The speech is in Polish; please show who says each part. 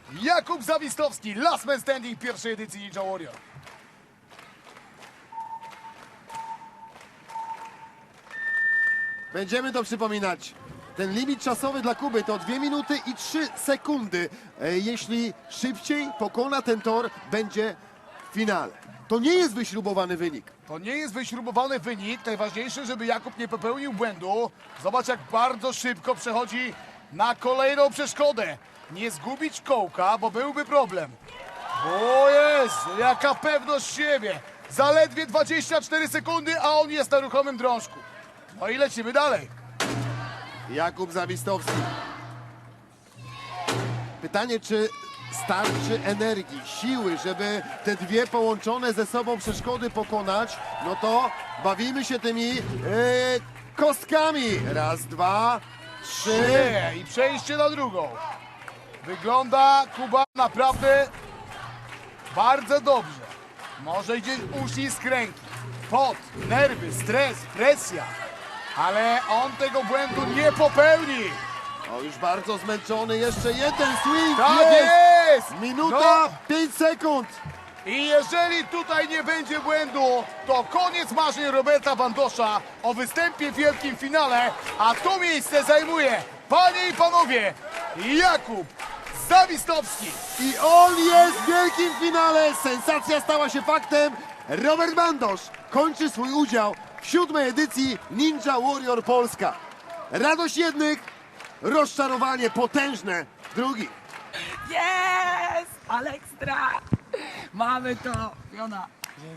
Speaker 1: Jakub Zawistowski, last man standing pierwszej edycji Ninja Warrior.
Speaker 2: Będziemy to przypominać. Ten limit czasowy dla Kuby to 2 minuty i 3 sekundy. Jeśli szybciej pokona ten tor, będzie w finale. To nie jest wyśrubowany wynik.
Speaker 1: To nie jest wyśrubowany wynik. Najważniejsze, żeby Jakub nie popełnił błędu. Zobacz, jak bardzo szybko przechodzi na kolejną przeszkodę. Nie zgubić kołka, bo byłby problem. O Jezu, jaka pewność siebie. Zaledwie 24 sekundy, a on jest na ruchomym drążku. No i lecimy dalej.
Speaker 2: Jakub Zawistowski. Pytanie, czy starczy energii, siły, żeby te dwie połączone ze sobą przeszkody pokonać? No to bawimy się tymi kostkami. Raz, dwa, trzy.
Speaker 1: Nie, i przejście na drugą. Wygląda Kuba naprawdę bardzo dobrze. Może gdzieś uścisk ręki, pot, nerwy, stres, presja. Ale on tego błędu nie popełni.
Speaker 2: O, już bardzo zmęczony. Jeszcze jeden swing.
Speaker 1: Tak
Speaker 2: Jest!
Speaker 1: jest!
Speaker 2: Minuta,
Speaker 1: No.
Speaker 2: 5 sekund.
Speaker 1: I jeżeli tutaj nie będzie błędu, to koniec marzeń Roberta Bandosza o występie w wielkim finale, a to miejsce zajmuje, panie i panowie, Jakub Zawistowski.
Speaker 2: I on jest w wielkim finale. Sensacja stała się faktem. Robert Bandosz kończy swój udział w 7. edycji Ninja Warrior Polska. Radość jednych, rozczarowanie potężne drugich.
Speaker 3: Jest! Ale ekstra! Mamy to, Fiona.